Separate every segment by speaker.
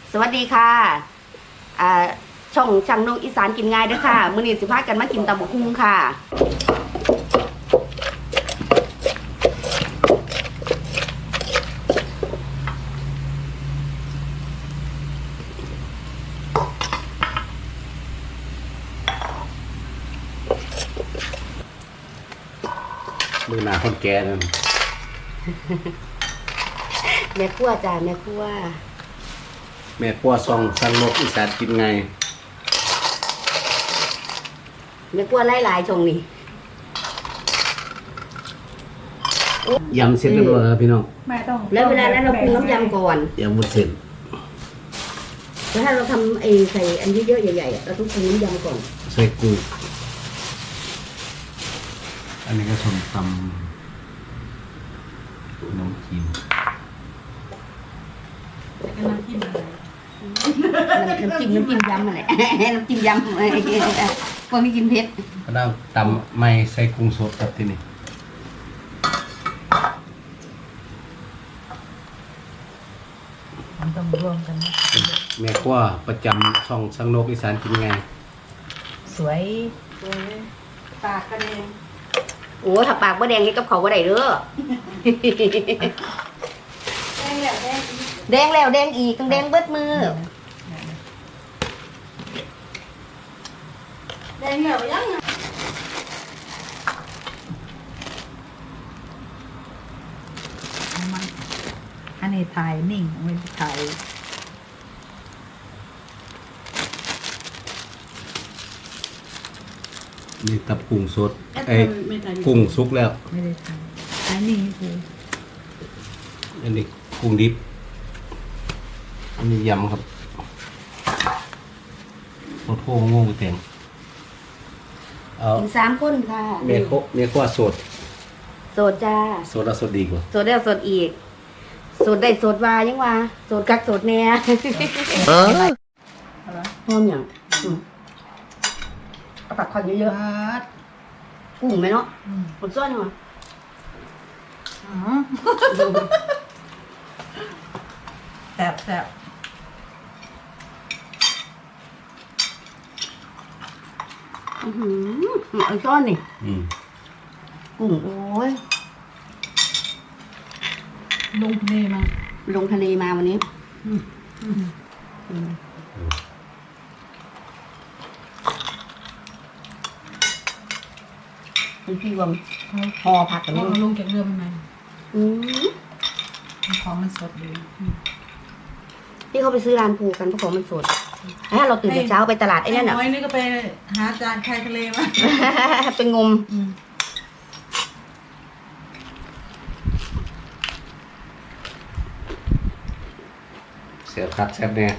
Speaker 1: สวัสดีค่ะช่องช่างนงอีสานกินง่ายด้วยค่ะมื้อนี้สิพากันมากินตำบักหุ่งค่ะ
Speaker 2: มือหนาคนแก่นั่น
Speaker 1: แม่ครัวจ้าแม่ครัว
Speaker 2: แม่ปัวซองสันนกอีสานกินไง
Speaker 1: แม่ครัวหลายๆช่องนี้
Speaker 2: ยำเสร็จเรียบร้อยแล้วพี่น้อง
Speaker 3: ไม่ต้อง
Speaker 1: แล้วเวลานั้นเราปรุงน้ำยำก่อน
Speaker 2: ยำหมดเสร็จ
Speaker 1: แล้วถ้าเราทำใส่อันเยอะๆใหญ่ๆเราต้องปรุงน้ำยำก่อน
Speaker 2: ใส่กุ้งอันนี้ก็ส้มตำน้ำจิ้ม
Speaker 3: กำลังกินอะไร
Speaker 1: น้ำจิ้มยำอะไร น้ำจิ้มยำพวกนี้กินเผ็ด
Speaker 2: ก็ได้ตำไม่ใส่กุ้งสดครับที่นี่
Speaker 3: มันต้องรวมกันนะ
Speaker 2: แม่ปัวประจำช่องสันนกอีสานกินไง
Speaker 3: สวย
Speaker 1: ปากกันเองโอ้ถ้าปากบ่แดงนี่กับเขาบ่ได้เด้อแดงแล้วแดงอีกต้องแดงเบิดมือแดงแล้วยัง
Speaker 3: มันอันนี้ถ่ายนิ่งไม่ได้ถ่าย
Speaker 2: นี่ตับกุ้งสดกุ้งสุกแล้ว
Speaker 3: ไม่ได้ถ่ายถ่ายนิ่งคือ
Speaker 2: อันนี้กุ้งดิบอันนี้ยำครับโคตรโง่โง่เต็มเอา
Speaker 1: กิน3คนค่ะ
Speaker 2: เมียขั้วสด
Speaker 1: โสดจ้า
Speaker 2: สดแล้วสดดีกว่า
Speaker 1: โสดแล้วโสดอีกโสดได้โสดว่ายังว่าโสดกักโสดแน่หอมหยังเอาปากคอนเยอะๆกุ้งไหมเนาะหมดซ้อนเหรอ
Speaker 3: แซ่บแซ่บ
Speaker 1: เอาซ้อนนี่
Speaker 2: อืม
Speaker 1: กุ้งโอ้ย
Speaker 3: ลงนี่มา
Speaker 1: ลงทะเลมาวันนี้คุณพี่วงพอผักกัน
Speaker 3: เอา
Speaker 1: นี่
Speaker 3: ลงจากเรือมันไหม
Speaker 1: อืม
Speaker 3: ของมันสดดี
Speaker 1: พี่เขาไปซื้อร้านปูกันเพราะของมันสดถ้าเราตื่นแต่เช้าไปตลาดไอ้นั่นอ่ะ
Speaker 3: น้อยนี่ก็ไปหาจานชายทะเลมา
Speaker 1: เป็นงม
Speaker 2: เสียบคัดแซ่บแน่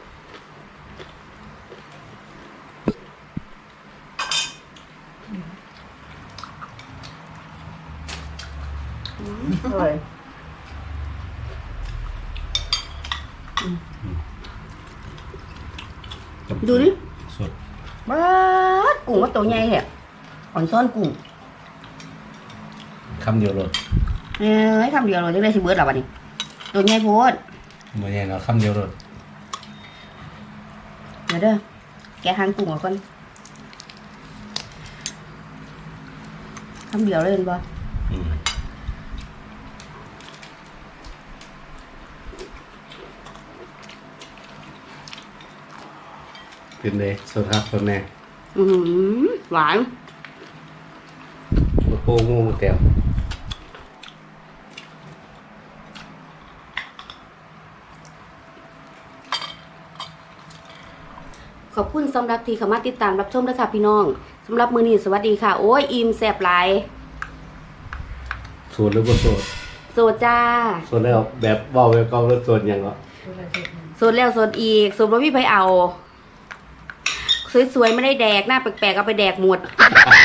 Speaker 1: อร่อยดูดิ
Speaker 2: สด
Speaker 1: บ้าดกุ้งว่าตัวใหญ่แหละอ่อนซ้อนกุ้ง
Speaker 2: คำเดียวเลย
Speaker 1: คำเดียวเราจะได้สิเบิร์ดหรอวะนี่ตัวใหญ่โพด
Speaker 2: บ่ใหญ่เนาะคำเดียวเลย
Speaker 1: เดี๋ยวเด้อแกะหางกุ้งออกก่อนคำเดียวเลยเห็นบ่
Speaker 2: อืมเป็นเลยสดครับสดแน่
Speaker 1: หวาน
Speaker 2: โอ้โหงูเต็ม
Speaker 1: ขอบคุณสำหรับที่เข้ามาติดตามรับชมด้วยค่ะพี่น้องสำหรับมื้อนี้สวัสดีค่ะโอ้ยอิ่มแซ่บหลาย
Speaker 2: สดหรือบ่สด
Speaker 1: โสดจ้า
Speaker 2: สดแล้วแบบเว้าแบบเก่าแล้วสดหยังก็
Speaker 1: โสดแล้วโสดอีกโสดบ่มีไผเอาสวยๆไม่ได้แดกหน้าแปลกๆเอาไปแดกหมด